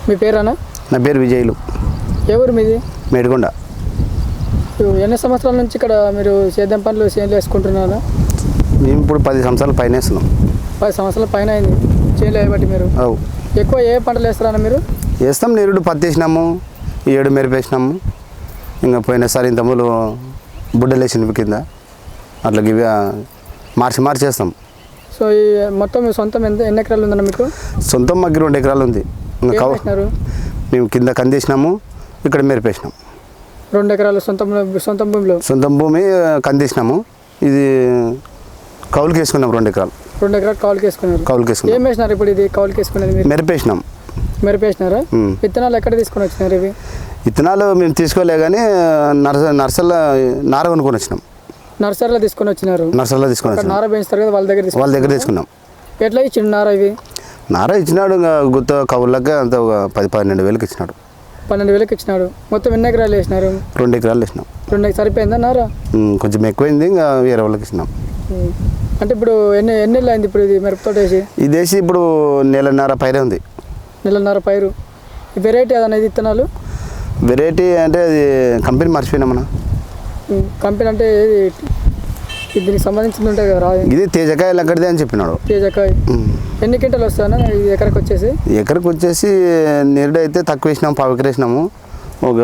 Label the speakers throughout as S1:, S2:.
S1: మీ పేరేనా?
S2: నా పేరు విజయ్లు.
S1: ఎవరు మీది?
S2: మేడికొండ.
S1: ఎన్ని సంవత్సరాల నుంచి ఇక్కడ మీరు సేద్యం పనులు చేనులు వేసుకుంటున్నారా?
S2: మేము ఇప్పుడు 10 సంవత్సరాల పైన వేస్తున్నాం.
S1: 10 సంవత్సరాల పైన అయింది చేనులు వేయబట్టి. మీరు ఎక్కువ ఏ పంటలు వేస్తారన్నా మీరు?
S2: వేస్తాం. నిరుడు పత్తి వేసినాము, ఈ ఏడు మెరిపేసినాము. ఇంకా పోయినసారి ఇంతకుముందు బుడ్డలు వేసిన కింద అట్లా ఇవి మార్చి వేస్తాం.
S1: సో ఈ మొత్తం మీ సొంతం ఎన్ని ఎకరాలు ఉందన్న మీకు?
S2: సొంతం మాకు 2 ఎకరాలు ఉంది. ఇంకా మేము కింద కందేసినాము, ఇక్కడ మెరిపేసినాం.
S1: 2 ఎకరాలు సొంతం భూమిలో
S2: సొంతం భూమి కందేసినాము. ఇది కౌలుకి వేసుకున్నాం. 2 ఎకరాలు.
S1: 2 ఎకరాలు కౌలుకి వేసుకున్నారు.
S2: కౌలుకి వేసుకున్నాం.
S1: ఏం వేసినారు ఇప్పుడు? ఇది కౌలుకి వేసుకునేది
S2: మెరిపేసినాం.
S1: మెరిపేసినారా? విత్తనాలు ఎక్కడ తీసుకొని వచ్చినారు ఇవి?
S2: విత్తనాలు మేము తీసుకోలే కానీ నర్సరీలో నార కొనుక్కొని వచ్చినాం.
S1: నర్సరీలో తీసుకొని వచ్చినారు.
S2: నర్సరీలో తీసుకొని వచ్చినాం.
S1: నార పెంచుతారు కదా, వాళ్ళ దగ్గర
S2: తీసుకున్నాం.
S1: ఎట్లా ఇచ్చిండు నార? ఇవి
S2: నార ఇచ్చినాడు. ఇంకా గుత్త కౌళ్ళకి అంత ఒక 10-12 వేలకు ఇచ్చినాడు.
S1: 12 వేలకు ఇచ్చినాడు. మొత్తం ఎన్ని ఎకరాలు వేసినారు?
S2: 2 ఎకరాలు వేసినాం.
S1: 2 సరిపోయిందా నార? కొంచెం
S2: ఎక్కువైంది. ఇంకా వేరే వాళ్ళకి ఇచ్చినాం.
S1: అంటే ఇప్పుడు ఎన్ని నెలలు అయింది ఇప్పుడు ఇది మిరపతోట వేసి?
S2: ఇది వేసి ఇప్పుడు 1.5 నెలల పైరే ఉంది.
S1: 1.5 నెలల పైరు. వెరైటీ అదనేది విత్తనాలు?
S2: వెరైటీ అంటే అది కంపెనీ మర్చిపోయినామన్నా.
S1: కంపెనీ అంటే దీనికి సంబంధించింది ఉంటుంది కదా?
S2: ఇది తేజకాయ లెక్కడిదే అని చెప్పినాడు.
S1: తేజకాయ. ఎన్ని క్వింటాలు వస్తాయన్నా ఎకరకు వచ్చేసి?
S2: ఎకరకు వచ్చేసి నిరుడు అయితే తక్కువ వేసినాము, 1/4 ఎకరం వేసినాము. ఒక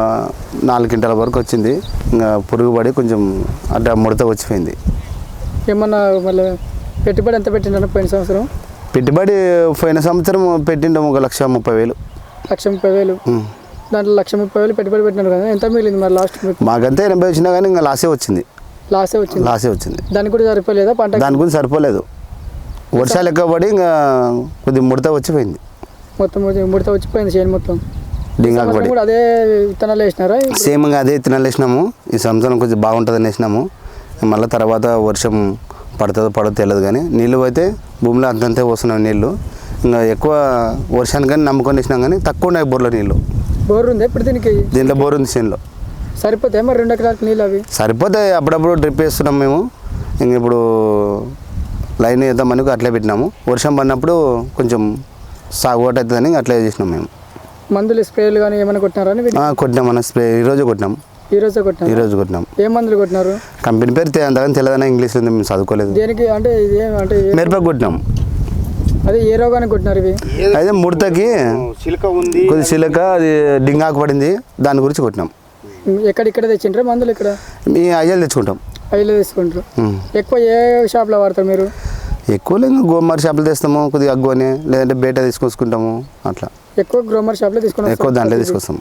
S2: 4 క్వింటాల వరకు వచ్చింది. ఇంకా పురుగు పడి కొంచెం అట్లా ముడత వచ్చిపోయింది.
S1: ఏమన్నా మళ్ళీ పెట్టుబడి ఎంత పెట్టిండ పోయిన సంవత్సరం?
S2: పెట్టుబడి పోయిన సంవత్సరం పెట్టిండాం 1,30,000.
S1: 1,30,000. దాంట్లో 1,30,000 పెట్టుబడి పెట్టినారు కదా, ఎంత మిగిలింది మరి లాస్ట్?
S2: మాకంతా 80 వచ్చినా కానీ ఇంకా లాసే వచ్చింది.
S1: లాసే వచ్చింది. దానికి కూడా సరిపోలేదా పంట? దానికి
S2: కూడా సరిపోలేదు. వర్షాలు ఎక్కువ పడి ఇంకా కొద్దిగా ముడత వచ్చిపోయింది.
S1: మొత్తం ముడత వచ్చిపోయింది చేను మొత్తం.
S2: డింగాకు పడి.
S1: అదే విత్తనాలు వేసినారా?
S2: సేమ్ ఇంకా అదే విత్తనాలు వేసినాము. ఈ సంవత్సరం కొంచెం బాగుంటుందని వేసినాము. మళ్ళీ తర్వాత వర్షం పడదో తెలియదు కానీ నీళ్ళు అయితే భూమిలో అంతంతే వస్తున్నాం నీళ్ళు. ఇంకా ఎక్కువ వర్షానికి కానీ నమ్ముకొని వేసినాం కానీ తక్కువ ఉన్నాయి బోర్లో నీళ్ళు.
S1: బోర్ ఉంది ఇప్పుడు
S2: దీంట్లో బోర్ ఉంది చేనులో.
S1: సరిపోతాయి మరి 2 ఎకరాలకు నీళ్ళు? అవి
S2: సరిపోతాయి. అప్పుడప్పుడు డ్రిప్ వేస్తున్నాం మేము. ఇంక ఇప్పుడు లైన్ వేద్దామని అట్లే పెట్టినాము. వర్షం పడినప్పుడు కొంచెం సాగుబాటు అవుతుందని అట్లే చేసినాం మేము.
S1: మందులు స్ప్రేలు కానీ ఏమైనా కొట్టినారా?
S2: కొట్టినాం. స్ప్రే ఈరోజు కొట్టినాం. ఈ రోజు కొట్టినాం.
S1: ఏ మందులు కొట్టినారు?
S2: కంపెనీ పేరు అంతగానే తెలియదన్నా, ఇంగ్లీష్లో మేము చదువుకోలేదు.
S1: దేనికి అంటే
S2: మిరపకు కొట్టినాం.
S1: అదే ఏ రోగానికి కొట్టినారు ఇవి?
S2: అయితే ముడతకి కొద్ది చిలక అది డింగాకు పడింది, దాని గురించి కొట్టినాం.
S1: ఇక్కడ తెచ్చింటారా మందులు? ఇక్కడ
S2: మీ అయ్యలు తెచ్చుకుంటాం.
S1: అయ్యలు తీసుకుంటారు. ఎక్కువ ఏ షాప్లో వాడతారు మీరు?
S2: ఎక్కువ లేదు గోమార్ షాపులు తెస్తాము, కొద్దిగా అగ్గుని, లేదంటే బేట తీసుకొచ్చుకుంటాము. అట్లా
S1: ఎక్కువ గ్రోమర్ షాప్లో తీసుకుంటాం.
S2: ఎక్కువ దాంట్లో తీసుకొస్తాము.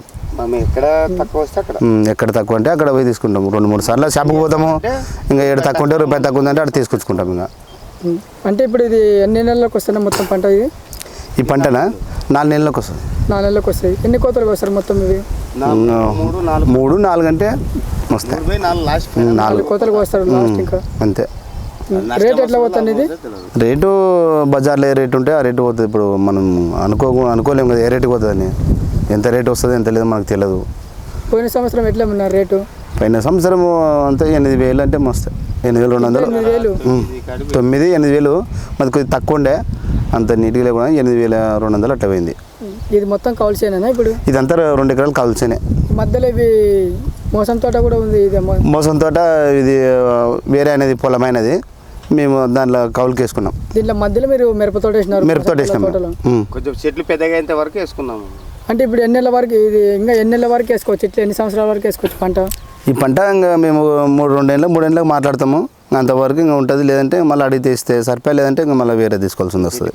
S2: ఎక్కడ తక్కువ అంటే అక్కడ పోయి తీసుకుంటాము. 2-3 సార్లు షాపుకి పోతాము. ఇంకా ఏడు తక్కువ ఉంటే రూపాయి తక్కువ ఉందంటే అక్కడ తీసుకొచ్చుకుంటాము. ఇంకా
S1: అంటే ఇప్పుడు ఇది ఎన్ని నెలలకు వస్తుంది మొత్తం పంట? ఇది
S2: ఈ పంటనా 4 నెలలకు వస్తుంది.
S1: 4 నెలలకు వస్తాయి. ఎన్ని కోతలకు వస్తారు మొత్తం? ఇవి
S2: 3-4 అంటే వస్తాయి.
S1: 4 కోతలకు వస్తారు లాస్ట్. ఇంకా
S2: అంతే.
S1: రేట్ ఎట్లా పోతుంది ఇది?
S2: రేటు బజార్లో ఏ రేటు ఉంటే ఆ రేటు పోతుంది. ఇప్పుడు మనం అనుకోలేము కదా ఏ రేటుకి పోతుందని. ఎంత రేటు వస్తుంది ఎంత లేదు మనకు తెలియదు.
S1: పోయిన సంవత్సరం ఎట్లా ఉన్నారు రేటు?
S2: పోయిన సంవత్సరం అంతే 8,000 అంటే మస్తు. 8,200. 9,000-8,000. మాది కొద్దిగా తక్కువ ఉండే, అంత నీట్గా లేకుండా 8,200 అట్లా పోయింది.
S1: ఇది మొత్తం కౌలుసేనా ఇప్పుడు?
S2: ఇదంతా 2 ఎకరాలు కౌలుసేనే.
S1: మధ్యలో ఇవి మోసం తోట కూడా ఉంది. ఇది
S2: మోసం తోట ఇది వేరే అనేది పొలమైనది. మేము దాంట్లో కౌలుకి వేసుకున్నాం.
S1: దీంట్లో మధ్యలో మీరు మిరప తోట వేసినారు?
S2: మిరప తోట వేసినాం.
S3: కొంచెం చెట్లు పెద్దగా అయ్యేంత వరకు వేసుకున్నాము.
S1: అంటే ఇప్పుడు ఎన్ని నెలల వరకు ఇది ఇంకా ఎన్ని నెలల వరకు వేసుకోవచ్చు? ఇట్లా ఎన్ని సంవత్సరాల వరకు వేసుకోవచ్చు పంట?
S2: ఈ పంట ఇంకా మేము 2-3 మాట్లాడతాము. అంతవరకు ఇంకా ఉంటుంది. లేదంటే మళ్ళీ అడిగితే ఇస్తే సరిపోయి, లేదంటే ఇంకా మళ్ళీ వేరే తీసుకోవాల్సి వస్తుంది.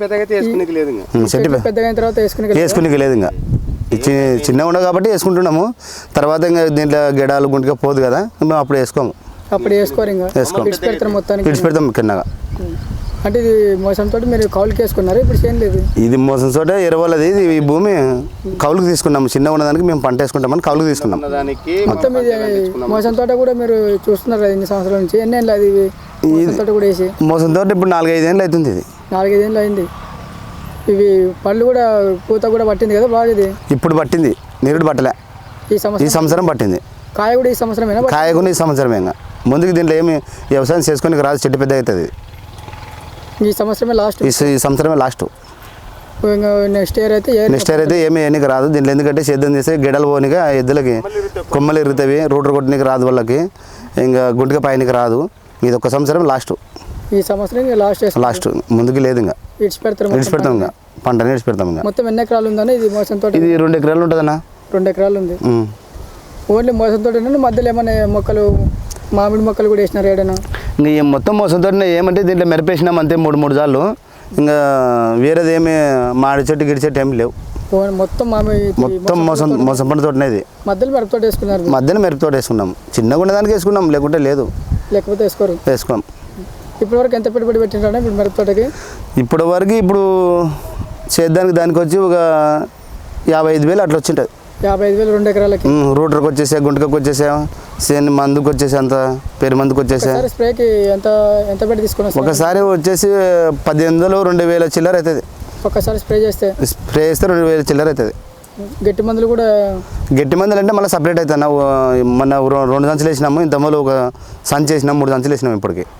S2: వేసుకునేకి లేదు. ఇంకా చిన్నగా ఉండవు కాబట్టి వేసుకుంటున్నాము. తర్వాత ఇంకా దీంట్లో గెడాలు గుంటిగా పోదు కదా, మేము అప్పుడు వేసుకోము.
S1: అప్పుడు వేసుకోరు. ఇంకా
S2: విడిచిపెడతాం కిందగా.
S1: అంటే ఇది మోసం తోటి మీరు కౌలుకి వేసుకున్నారు? ఇప్పుడు ఏం లేదు.
S2: ఇది మోసం తోట ఎరవలది. ఇది ఈ భూమి కౌలుకి తీసుకున్నాము. చిన్నగా ఉన్నదానికి మేము పంట వేసుకుంటామని కౌలుకి తీసుకున్నాం.
S1: మొత్తం ఇది మోసం తోట కూడా మీరు చూస్తున్నారు కదా ఇన్ని సంవత్సరాల నుంచి? ఎన్ని ఏళ్ళు అది మోసం తోట కూడా వేసి?
S2: మోసం తోట ఇప్పుడు 4-5 ఏళ్ళు అవుతుంది. ఇది
S1: 4-5 ఏళ్ళు అయింది. ఇవి పళ్ళు కూడా పూత కూడా పట్టింది కదా బాగా? ఇది ఇప్పుడు
S2: పట్టింది. నీరుడు పట్టలే. ఈ సంవత్సరం పట్టింది.
S1: కాయ కూడా ఈ సంవత్సరమేనా?
S2: కాయ కూడా ఈ సంవత్సరమే. ఇంకా ముందుకు దీంట్లో ఏమి వ్యవసాయం చేసుకొని రాదు, చెట్టు పెద్ద అవుతుంది.
S1: ఈ సంవత్సరమే లాస్ట్.
S2: ఈ సంవత్సరమే లాస్ట్.
S1: ఇంకా నెక్స్ట్ ఇయర్ అయితే
S2: నెక్స్ట్ ఇయర్ అయితే ఏమీ ఎన్నిక రాదు దీంట్లో, ఎందుకంటే సేద్యం చేస్తే గిడలు పోనిక ఎద్దులకి కొమ్మలు ఇరుగుతాయి, రూటర్ కొట్టనికి రాదు వాళ్ళకి, ఇంకా గుంటుక పైనకి రాదు. ఇది ఒక సంవత్సరం లాస్ట్,
S1: ఈ సంవత్సరం లాస్ట్
S2: ముందుకి లేదు. ఇంకా
S1: విడిచిపెడతాం
S2: ఇంకా పంటని విడిచిపెడతాం. ఇంకా
S1: మొత్తం ఎన్ని ఎకరాలు ఉందని ఇది మోసం తోట?
S2: ఇది 2 ఎకరాలు ఉంటుందన్నా.
S1: 2 ఎకరాలు ఉంది. ఓన్లీ మోసం తోట మధ్యలో ఏమైనా మొక్కలు మామిడి మొక్కలు కూడా వేసినారు ఏడైనా?
S2: ఇంకా మొత్తం మోసం తోట ఏమంటే దీంట్లో మెరపేసినాం అంతే 3 సార్లు. ఇంకా వేరేది ఏమి మాడి చెట్టు గిడి చెట్టు ఏమి లేవు.
S1: మొత్తం
S2: మోసం పంట తోటనే ఇది.
S1: మధ్యలో మిరప తోట వేసుకున్నారు?
S2: మధ్యలో మిరప తోట వేసుకున్నాం, చిన్నగా ఉండదానికి వేసుకున్నాం, లేకుంటే లేదు,
S1: లేకపోతే
S2: వేసుకోం.
S1: ఇప్పటి వరకు ఎంత పెట్టుబడి పెట్టినారా ఇప్పుడు మిరప తోటకి?
S2: ఇప్పటి వరకు ఇప్పుడు చేద్దానికి దానికి వచ్చి ఒక 55,000 అట్లా వచ్చింటుంది.
S1: 55,000 2 ఎకరాలకి.
S2: రూటర్కి వచ్చేసా, గుంటకకి వచ్చేసా, సేన్ మందుకు వచ్చేసి అంత పేరు మందుకు వచ్చేసా.
S1: స్ప్రేకి ఎంత పెట్టి తీసుకున్నా?
S2: ఒకసారి వచ్చేసి 18,000 2,000 చిల్లర అవుతుంది.
S1: ఒక్కసారి స్ప్రే చేస్తే
S2: 2,000 చిల్లర అవుతుంది.
S1: గట్టి మందులు కూడా?
S2: గట్టి మందులు అంటే మళ్ళీ సపరేట్ అవుతాయి. మన 2 సంచులు వేసినాము, ఇంత మొదలు ఒక సంచి వేసినాము, 3 సంచులు వేసినాము ఇప్పటికి.